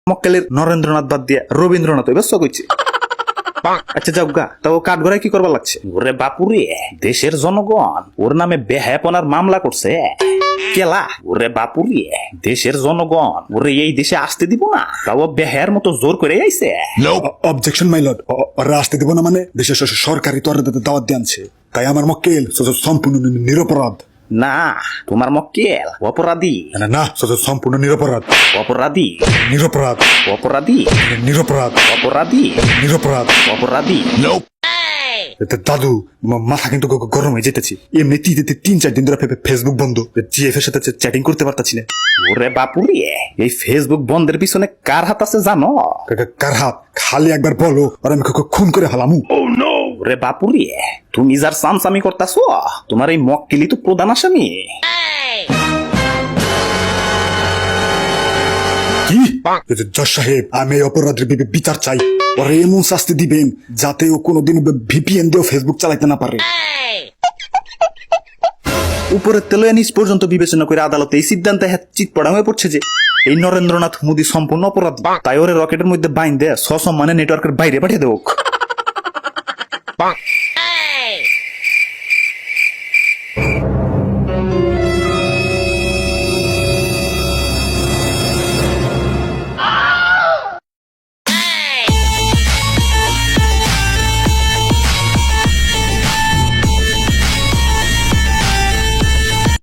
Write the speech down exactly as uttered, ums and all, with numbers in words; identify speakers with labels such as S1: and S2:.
S1: মক্কেলের নরেন্দ্রনাথ বাদ দিয়া রবীন্দ্রনাথ এবার কইছে। আচ্ছা যাও গা, তাও কাঠ গড়ায় কি করবার লাগছে? ওরে বাপুরে, দেশের জনগণ ওর নামে বেহায়াপনার মামলা করছে। কেলা? ওরে বাপুরে, দেশের জনগণ ওরে এই দেশে আসতে দিব না, তাও বেহায়ার মতো জোর করে আইছে।
S2: অবজেকশন মাই লর্ড, ওরা আসতে দিব না মানে দেশের সরকারি তো দাওয়াত দিয়ে আনছে, তাই আমার মক্কেল সম্পূর্ণ নিরপরাধ।
S1: না, তোমার মক্কেল অপরাধী।
S2: না না, সম্পূর্ণ নিরপরাধ।
S1: অপরাধী,
S2: নিরপরাধ,
S1: অপরাধী,
S2: নিরপরাধ,
S1: অপরাধী,
S2: নিরপরাধ,
S1: অপরাধী।
S2: দাদু মাথা কিন্তু গরম হয়ে যেতেছি। এমনি তিন চার দিন ধরে ফেসবুক বন্ধ, জিএফ এর সাথে চ্যাটিং করতে পারতাছি না।
S1: ওরে বাপুরে, এই ফেসবুক বন্ধের পিছনে কার হাত আছে জানো?
S2: কার হাত? খালি একবার বলো আর আমি খুন করে হালামু।
S1: ওরে বাপুরে, তুমি যার সামসামি করতাছ, তোমার এই মক্কেলি তো প্রধান আসামি।
S2: কি জজ সাহেব, আমি এই অপরাধের বিচার চাই। ওরে এমন শাস্তি দিবেন যাতে ও কোনোদিন ভিপিএন দিয়েও ফেসবুক চালাইতে না পারে।
S1: উপরের তেল নিজ পর্যন্ত বিবেচনা করে আদালতে এই সিদ্ধান্তে চিত পড়া হয়ে পড়ছে যে এই নরেন্দ্রনাথ মোদী সম্পূর্ণ অপরাধ, তাই ওরে রকেটের মধ্যে বাইন দেয় সসম্মানে নেটওয়ার্কের বাইরে পাঠিয়ে দেওক।